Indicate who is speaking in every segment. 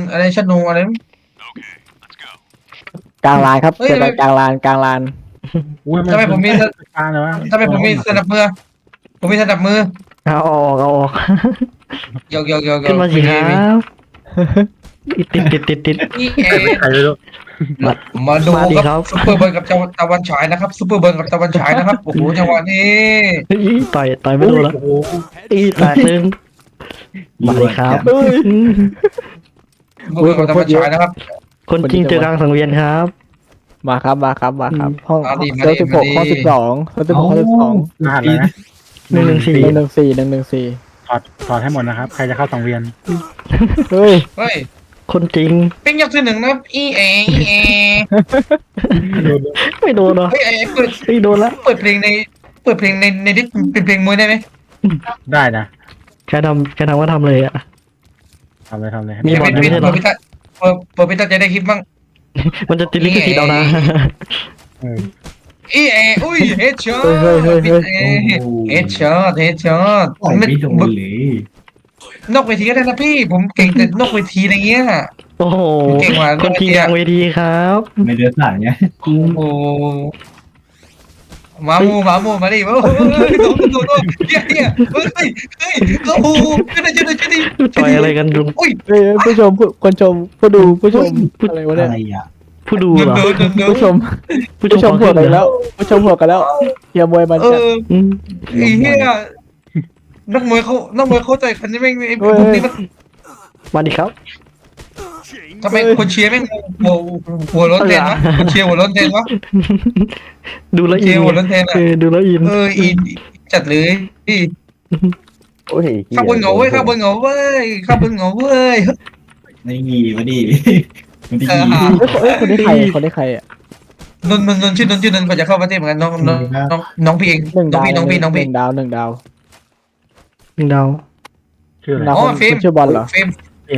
Speaker 1: อะไรชโนอะไร
Speaker 2: กลางลานครับ
Speaker 1: เฮ้ย
Speaker 2: เจอกันกลางลาน
Speaker 3: อุ้ย
Speaker 1: ทำไมผมมี
Speaker 3: การเลยวะ
Speaker 1: ทำไมผมมีสนับมือผมมีสนับมือ
Speaker 2: เอาออก
Speaker 1: โยก
Speaker 4: ขึ้นมาสิครับติด
Speaker 1: นี่เอ
Speaker 3: ใครไม่รู้
Speaker 1: มาดู
Speaker 4: มาดิ
Speaker 1: ค
Speaker 4: ครั
Speaker 1: รับบ ซุปเปอร์เบิร์นกับตะวันฉายนะครับซุปเปอร์เบิร์นกับตะวันฉายนะครับโอ้โหจังหวะนี้
Speaker 4: ต่อยไม่โดนแล้ว
Speaker 3: โอ้โห
Speaker 4: แตกหนึ่งมาดิครับ
Speaker 2: เฮ้ย
Speaker 1: ซุปเปอร์เบิร์นกับตะวันฉายนะครับ
Speaker 4: คนจริงเจอกลางสังเวียนครับ
Speaker 2: มาครับห้อง
Speaker 1: มาดิ
Speaker 2: เซลล์16ห้อง12เซลล์16ห้อง12
Speaker 3: รหัสอะไรนะ
Speaker 4: 114
Speaker 3: ถอดให้หมดนะครับ ใครจะเข้าสังเวียน
Speaker 2: เฮ้ย
Speaker 1: เฮ้ย
Speaker 4: คนจริง
Speaker 1: เป็นยกที่หนึ่งนะอีเอ
Speaker 4: ไม่โดนหรอ
Speaker 1: เฮ้ยไอ้เปิด
Speaker 4: ไม่โดนแล้ว
Speaker 1: เปิดเพลงในดิสเป็นเพลงมวยได้ไหม
Speaker 3: ได้นะ
Speaker 4: แค่ทำก็ทำเลยอ่ะ
Speaker 3: ทำเลย
Speaker 4: มีบอลด้วยไม่ใช่เหรอ
Speaker 1: เปิดพิตาจะได้คลิปบ้าง
Speaker 4: มันจะติดลิขสิทธิ์เอานะ
Speaker 3: เออ
Speaker 1: อีเออุ้ยเฮดช็อตเฮดช็อต
Speaker 5: ปล่อยไม่โดนเลย
Speaker 1: นอกเวทีก็ได้นะพี่ผมเก่งแต่นอกเวทีอะไรเงี้ย
Speaker 4: โอ้โห
Speaker 1: เก่งว่ะ
Speaker 4: คนจริงกลางเวทีครับ
Speaker 5: ไม่เดือดสายไง
Speaker 1: โอ้โหมาดิโอ้โหเฮียเฮ้ยโอ้โหช่วยดิ
Speaker 4: ต่อยอะไรกันลุง
Speaker 1: อุ้ย
Speaker 2: เฮ้ยผู้ชมคนชมผู้ดูผู้ชมอะไรวะเนี่ย
Speaker 5: อะไรอ่ะ
Speaker 4: ผู้ดูเหรอ
Speaker 2: ผู้ชมหัวกันแล้วผู้ชมหัวกันแล้วเฮียมวยมัน
Speaker 1: เอ
Speaker 2: จะ
Speaker 1: อไอ้เฮียนักมวยเข้าใจคันนี้แม่งไอ้พวกนี้มัน
Speaker 4: มาดิครับ
Speaker 1: ทำไมคนเชียร์แม่งหัวร้อนแทนวะคนเชียร์หัวร้อนแทนวะ
Speaker 4: ดูแล้ว
Speaker 1: เชี
Speaker 4: อิ
Speaker 1: ย
Speaker 4: น
Speaker 1: ร์หัวร้อนแทนอ่ะ
Speaker 4: ดูแล้วอิน
Speaker 1: อินจัดเลยพี่
Speaker 2: โอ้ย
Speaker 1: ข้าบนเหงาเว้ยข้าบนเหงาเว้ย
Speaker 5: ไม่มีมาดิมันดี
Speaker 2: คนนี้ใครอ่ะ
Speaker 1: นนชื่อนนก่อนจะเข้าประเทศเหมือนกันน้องพี่เอง
Speaker 2: 1 ดาว
Speaker 1: น้องพี่
Speaker 2: 1 ดาว
Speaker 4: หนึ่งดาว
Speaker 3: ชื่ออะไร
Speaker 2: ดาว
Speaker 1: อ๋อฟิล์ม
Speaker 2: ชื่อบอลเหรอ
Speaker 1: เฟรม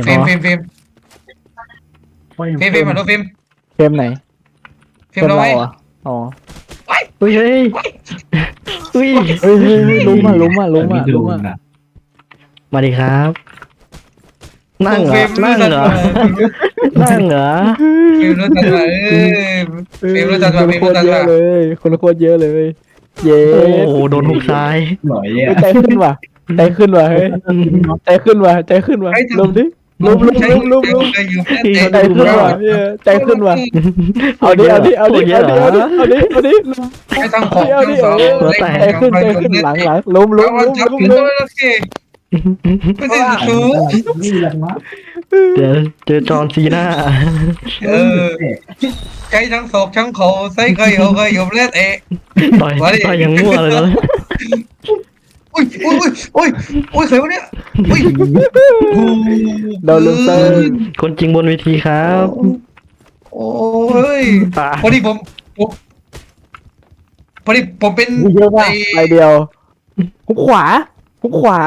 Speaker 1: มาดูเฟรม
Speaker 2: เกมไหน
Speaker 1: เฟรมเราไว้
Speaker 2: อ่ะอ๋อ
Speaker 4: เฮ้ย
Speaker 2: เฮ้ยลุ้มอ่ะ
Speaker 5: ไม่โดนอ่ะ
Speaker 4: มาดิครับ นั่งเหรอ
Speaker 1: เฟรมรู้จัก
Speaker 2: คนเยอะเลยคนโคตรเยอะเลย เย้
Speaker 4: โอ้โหโดนหุกซ้าย
Speaker 5: หน่อยอ่ะ
Speaker 2: ใจขึ้นว่ะเฮ้ยใจขึ้นว่ะลุมดิลุมใจขึ้นว่ะเอาดิ
Speaker 1: ให้ทางของ
Speaker 2: ใจขึ้นหลังลุม
Speaker 1: ไม่ได้สูง
Speaker 5: นี่แหละมั้ง
Speaker 4: เดี๋ยวเจอจอห์นซีน่า
Speaker 1: ใจทั้งศอกทั้งเขาใส่เคยเอาเล่นเอะ
Speaker 4: ต่อยอย่างมั่วเลยนะ
Speaker 1: อุ้ยใครวะเนี่ยอุ้ย
Speaker 2: โดนลุมเติม
Speaker 4: คนจริงบนเวทีครับ
Speaker 1: โอ้ยพอดีผมเป็น
Speaker 2: เยอะมากไปเดียวหุกขวาหุกขวา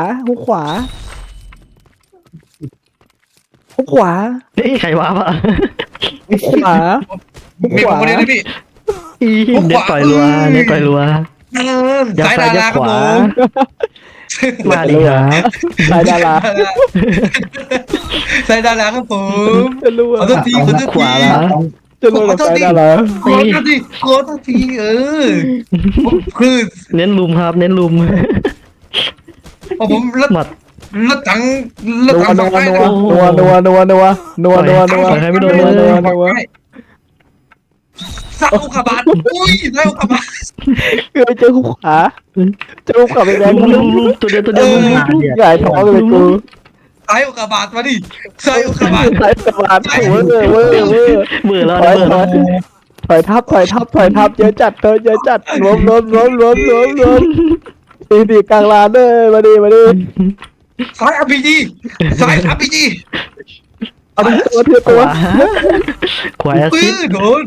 Speaker 4: นี่ใครวะปะ
Speaker 2: หุกขวา
Speaker 1: มีผมคนนี้นะพี่
Speaker 4: เน็ตต่อยรัวอย่า
Speaker 1: สาย
Speaker 4: ซ้า
Speaker 1: ดาย
Speaker 4: อย่า
Speaker 1: ราค
Speaker 4: ข
Speaker 1: รับ
Speaker 4: วา
Speaker 1: ผม
Speaker 4: มาดิครับ
Speaker 2: สายดารา
Speaker 1: สายดาราครับผม
Speaker 2: จะรู้
Speaker 1: ขอโทษที
Speaker 4: ขวาละ
Speaker 2: จะรู้สายดารา
Speaker 1: ขอโทษทีคือ
Speaker 4: เน้นลุมครับ เน้นลุม
Speaker 1: ผมรถ
Speaker 4: หมัด
Speaker 1: ถัง
Speaker 2: นั
Speaker 1: สองไฟ
Speaker 2: ว
Speaker 1: สักอุกกาบาตอุ้ยได้อุกกาบาต
Speaker 2: คือเจอหุกขวาเจอหุกขวาไปแดง
Speaker 4: ลุมตัวเดียว
Speaker 2: ใหญ่ท้องเลยกู
Speaker 1: ใส่อุกกาบาตมาดิใส่อุกกาบาต
Speaker 2: สายสวานเวอร์
Speaker 4: เบื่อแล้ว
Speaker 2: ถอยทับเยอะจัดรวมตีกลางลานเลยมาดิ
Speaker 1: สาย RPG
Speaker 2: เอาตัว
Speaker 4: ขวาแอสซิด
Speaker 1: โดน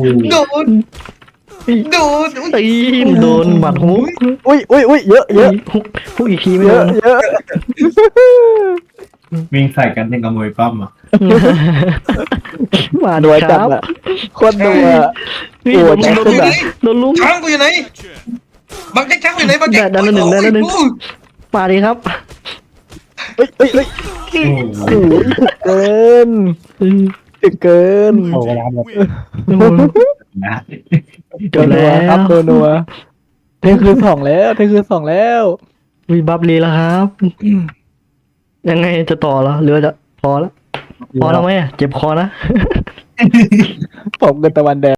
Speaker 4: โดนหมัดฮุก
Speaker 2: อุ้ยเยอะ
Speaker 4: ฮุกอีกทีไม่
Speaker 2: เย
Speaker 4: โด
Speaker 2: อะ
Speaker 4: น
Speaker 5: วิ่งใส่กันยังกระมวยปั้มอ่ะ
Speaker 4: มา
Speaker 2: หน่วย
Speaker 4: ค
Speaker 2: จั
Speaker 4: รั
Speaker 2: ด
Speaker 4: บ
Speaker 2: อะคนดูอะ
Speaker 4: โดนลุม
Speaker 1: ช้างกูอยู่ไหนบางแจ็คช้างอยู่ไหนบางแจ็ค
Speaker 4: มาดิครับ
Speaker 2: เอ้ย
Speaker 5: โอ้
Speaker 2: โอ้ยเกินเกิน
Speaker 3: โอ้เวลาหมด
Speaker 5: นะ
Speaker 4: จบแล้ว
Speaker 2: ครับตัวนัวเที่ยงคืนสองแล้วเที่ยงคืนสองแล้ว
Speaker 4: วีบัฟลีแล้วครับ ยังไงจะต่อเหรอหรือว่าจะพอแล้วพอแล้วไหมอะเจ็บคอนะ
Speaker 2: ผมกันตะวันแดง